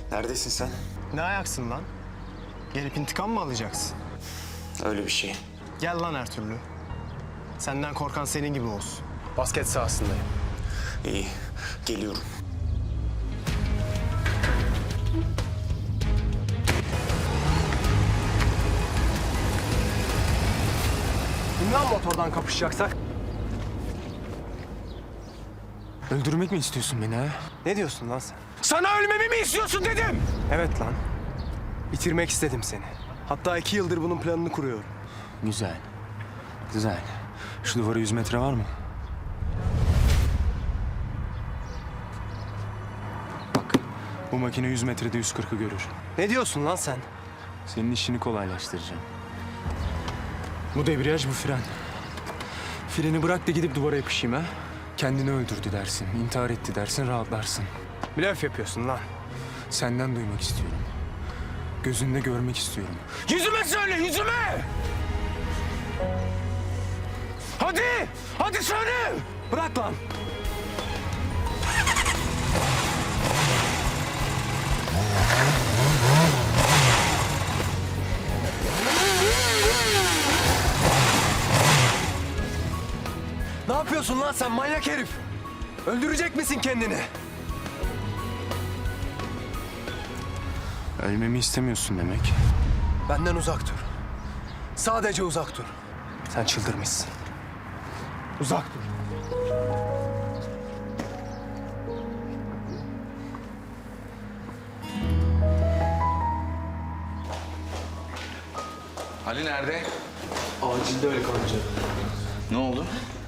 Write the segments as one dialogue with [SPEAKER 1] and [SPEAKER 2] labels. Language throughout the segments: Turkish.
[SPEAKER 1] Neredesin sen?
[SPEAKER 2] Ne ayaksın lan? Gelip intikam mı alacaksın?
[SPEAKER 1] Öyle bir şey.
[SPEAKER 2] Gel lan her türlü. Senden korkan senin gibi olsun. Basket sahasındayım.
[SPEAKER 1] İyi, geliyorum.
[SPEAKER 2] İn lan motordan kapışacaksak.
[SPEAKER 3] Öldürmek mi istiyorsun beni ha?
[SPEAKER 2] Ne diyorsun lan sen?
[SPEAKER 3] Sana ölmemi mi istiyorsun dedim!
[SPEAKER 2] Evet lan. Bitirmek istedim seni. Hatta 2 yıldır bunun planını kuruyorum.
[SPEAKER 3] Güzel. Güzel. Şu duvara 100 metre var mı? Bak, bu makine 100 metrede 140'ı görür.
[SPEAKER 2] Ne diyorsun lan sen?
[SPEAKER 3] Senin işini kolaylaştıracağım. Bu debriyaj, bu fren. Freni bırak da gidip duvara yapışayım ha. Kendini öldürdü dersin, intihar etti dersin, rahatlarsın.
[SPEAKER 2] Blöf yapıyorsun lan.
[SPEAKER 3] Senden duymak istiyorum. Gözünde görmek istiyorum. Yüzüme söyle, yüzüme! Hadi! Hadi söyle!
[SPEAKER 2] Bırak lan. Ne yapıyorsun lan sen manyak herif? Öldürecek misin kendini?
[SPEAKER 3] Ölmemi istemiyorsun demek.
[SPEAKER 2] Benden uzak dur. Sadece uzak dur. Sen çıldırmışsın. Uzak dur.
[SPEAKER 4] Ali nerede?
[SPEAKER 5] Acilde öyle kanca.
[SPEAKER 4] Ne oldu?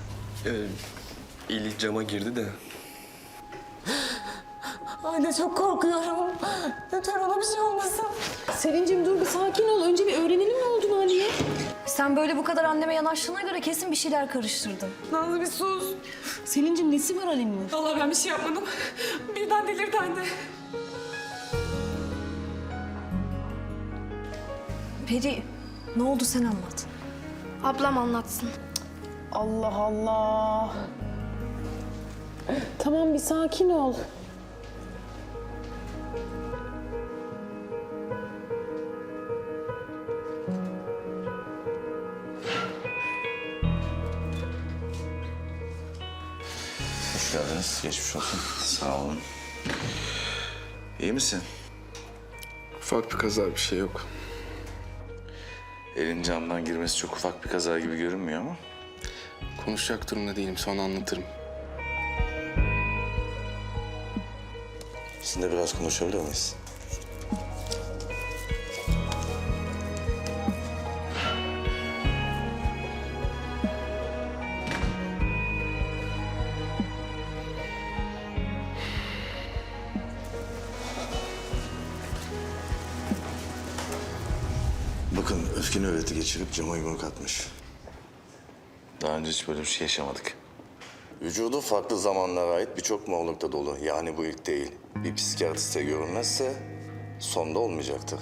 [SPEAKER 5] İli cama girdi de.
[SPEAKER 6] Anne çok korkuyorum. Lütfen ona bir şey olmasın. Selin'cim dur bir sakin ol. Önce bir öğrenelim ne olduğunu Ali'ye.
[SPEAKER 7] Sen böyle bu kadar anneme yanaştığına göre kesin bir şeyler karıştırdın.
[SPEAKER 6] Nazlı bir sus. Selin'cim nesi var Ali'nin? Vallahi ben bir şey yapmadım. Birden delirdi anne.
[SPEAKER 7] Peri, ne oldu sen anlat.
[SPEAKER 8] Ablam anlatsın.
[SPEAKER 6] Allah Allah. Tamam bir sakin ol.
[SPEAKER 4] Hoş geldiniz. Geçmiş olsun. Sağ olun. İyi misin?
[SPEAKER 5] Ufak bir kaza, bir şey yok.
[SPEAKER 4] Elin camdan girmesi çok ufak bir kaza gibi görünmüyor ama.
[SPEAKER 5] Konuşacak durumda değilim, sonra anlatırım.
[SPEAKER 4] Sizinle biraz konuşabilir miyiz?
[SPEAKER 9] Bakın öfke nöbeti geçirip cama yumruk atmış.
[SPEAKER 4] Daha önce hiç böyle bir şey yaşamadık.
[SPEAKER 9] Vücudu farklı zamanlara ait birçok morlukta dolu. Yani bu ilk değil. Bir psikiyatriste görünmezse sonda olmayacaktır.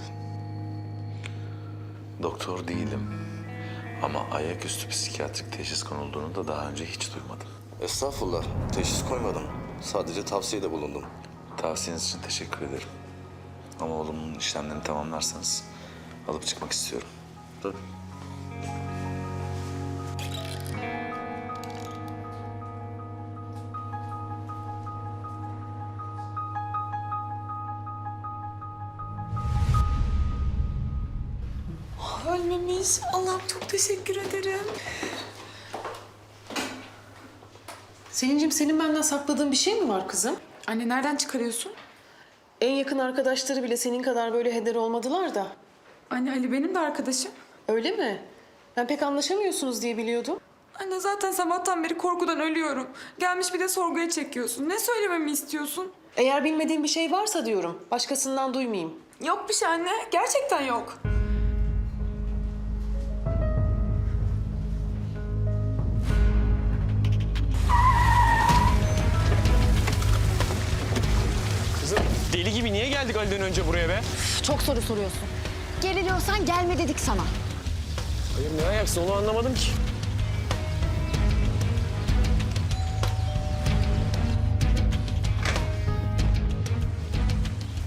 [SPEAKER 4] Doktor değilim. Ama ayaküstü psikiyatrik teşhis konulduğunu da daha önce hiç duymadım.
[SPEAKER 9] Estağfurullah. Teşhis koymadım. Sadece tavsiyede bulundum.
[SPEAKER 4] Tavsiyeniz için teşekkür ederim. Ama oğlumun işlemlerini tamamlarsanız alıp çıkmak istiyorum.
[SPEAKER 9] Tabii.
[SPEAKER 6] Ölmemiş. Allah'ım çok teşekkür ederim.
[SPEAKER 10] Selin'cim senin benden sakladığın bir şey mi var kızım?
[SPEAKER 6] Anne nereden çıkarıyorsun?
[SPEAKER 10] En yakın arkadaşları bile senin kadar böyle heder olmadılar da.
[SPEAKER 6] Anne Ali benim de arkadaşım.
[SPEAKER 10] Öyle mi? Ben pek anlaşamıyorsunuz diye biliyordum.
[SPEAKER 6] Anne zaten sabahtan beri korkudan ölüyorum. Gelmiş bir de sorguya çekiyorsun. Ne söylememi istiyorsun?
[SPEAKER 10] Eğer bilmediğim bir şey varsa diyorum, başkasından duymayayım.
[SPEAKER 6] Yok bir şey anne. Gerçekten yok.
[SPEAKER 2] Deli gibi niye geldik Ali'den önce buraya be?
[SPEAKER 8] Çok soru soruyorsun. Geriliyorsan gelme dedik sana.
[SPEAKER 2] Hayır ne ayaksın onu anlamadım ki.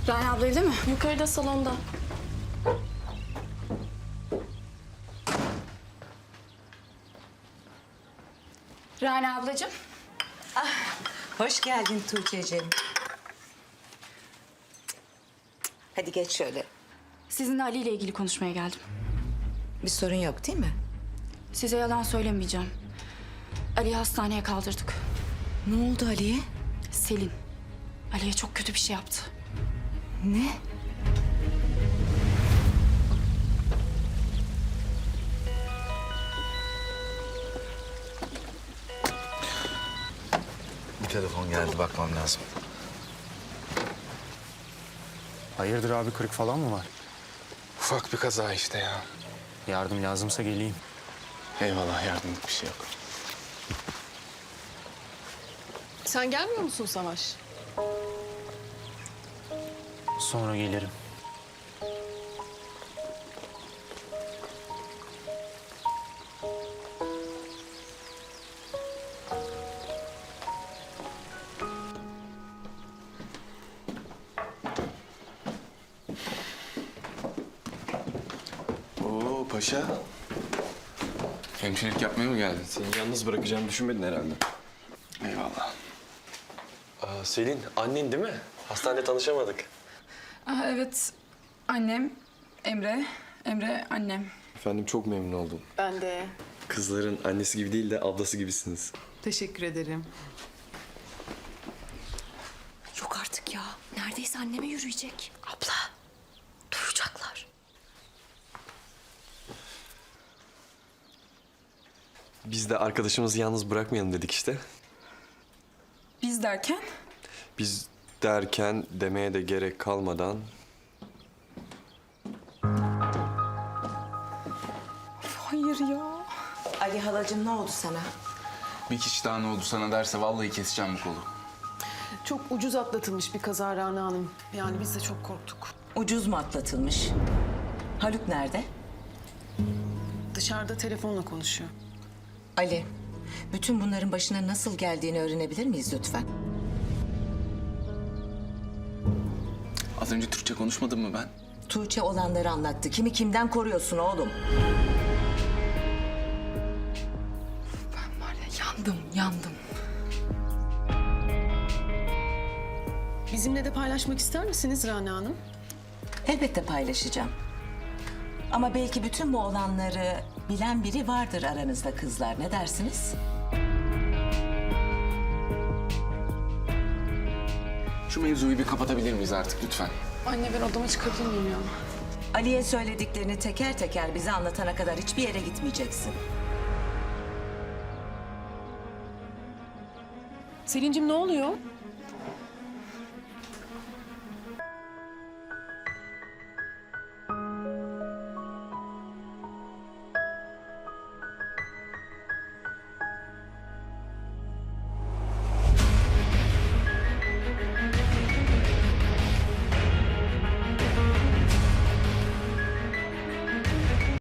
[SPEAKER 8] Rana abla evde mi?
[SPEAKER 10] Yukarıda salonda.
[SPEAKER 8] Rana ablacığım.
[SPEAKER 11] Hoş geldin Tuğçe'ciğim. Hadi geç şöyle.
[SPEAKER 8] Sizinle Ali ile ilgili konuşmaya geldim.
[SPEAKER 11] Bir sorun yok değil mi?
[SPEAKER 8] Size yalan söylemeyeceğim. Ali'yi hastaneye kaldırdık.
[SPEAKER 11] Ne oldu Ali'ye?
[SPEAKER 8] Selin. Ali'ye çok kötü bir şey yaptı.
[SPEAKER 11] Ne?
[SPEAKER 4] Bir telefon geldi, bakmam lazım.
[SPEAKER 3] Hayırdır abi, kırık falan mı var?
[SPEAKER 5] Ufak bir kaza işte ya.
[SPEAKER 3] Yardım lazımsa geleyim.
[SPEAKER 5] Eyvallah, yardımlık bir şey yok.
[SPEAKER 10] Sen gelmiyor musun Savaş?
[SPEAKER 3] Sonra gelirim.
[SPEAKER 5] Oo paşa. Hemşirelik yapmaya mı geldin?
[SPEAKER 2] Seni yalnız bırakacağımı düşünmedin herhalde.
[SPEAKER 5] Eyvallah.
[SPEAKER 2] Selin, annen değil mi? Hastanede tanışamadık.
[SPEAKER 8] Evet. Annem. Emre. Emre annem.
[SPEAKER 2] Efendim, çok memnun oldum.
[SPEAKER 10] Ben de.
[SPEAKER 2] Kızların annesi gibi değil de ablası gibisiniz.
[SPEAKER 10] Teşekkür ederim.
[SPEAKER 7] Yok artık ya. Neredeyse anneme yürüyecek. Abla. Duyacaklar.
[SPEAKER 2] Biz de arkadaşımızı yalnız bırakmayalım dedik işte.
[SPEAKER 8] Biz derken?
[SPEAKER 2] Biz derken demeye de gerek kalmadan...
[SPEAKER 8] Hayır ya.
[SPEAKER 11] Ali halacığım, ne oldu sana?
[SPEAKER 5] Bir kişi daha ne oldu sana derse vallahi keseceğim bu kolu.
[SPEAKER 10] Çok ucuz atlatılmış bir kaza Rana Hanım. Yani biz de çok korktuk.
[SPEAKER 11] Ucuz mu atlatılmış? Haluk nerede?
[SPEAKER 10] Dışarıda telefonla konuşuyor.
[SPEAKER 11] Ali, bütün bunların başına nasıl geldiğini öğrenebilir miyiz lütfen?
[SPEAKER 5] Az önce Türkçe konuşmadım mı ben?
[SPEAKER 11] Tuğçe olanları anlattı. Kimi kimden koruyorsun oğlum?
[SPEAKER 8] Ben var ya yandım.
[SPEAKER 10] Bizimle de paylaşmak ister misiniz Rana Hanım?
[SPEAKER 11] Elbette paylaşacağım. Ama belki bütün bu olanları bilen biri vardır aranızda kızlar. Ne dersiniz?
[SPEAKER 5] Şu mevzuyu bir kapatabilir miyiz artık lütfen?
[SPEAKER 10] Anne ben odama çıkabilir miyim ya?
[SPEAKER 11] Ali'ye söylediklerini teker teker bize anlatana kadar hiçbir yere gitmeyeceksin.
[SPEAKER 10] Selin'cim ne oluyor?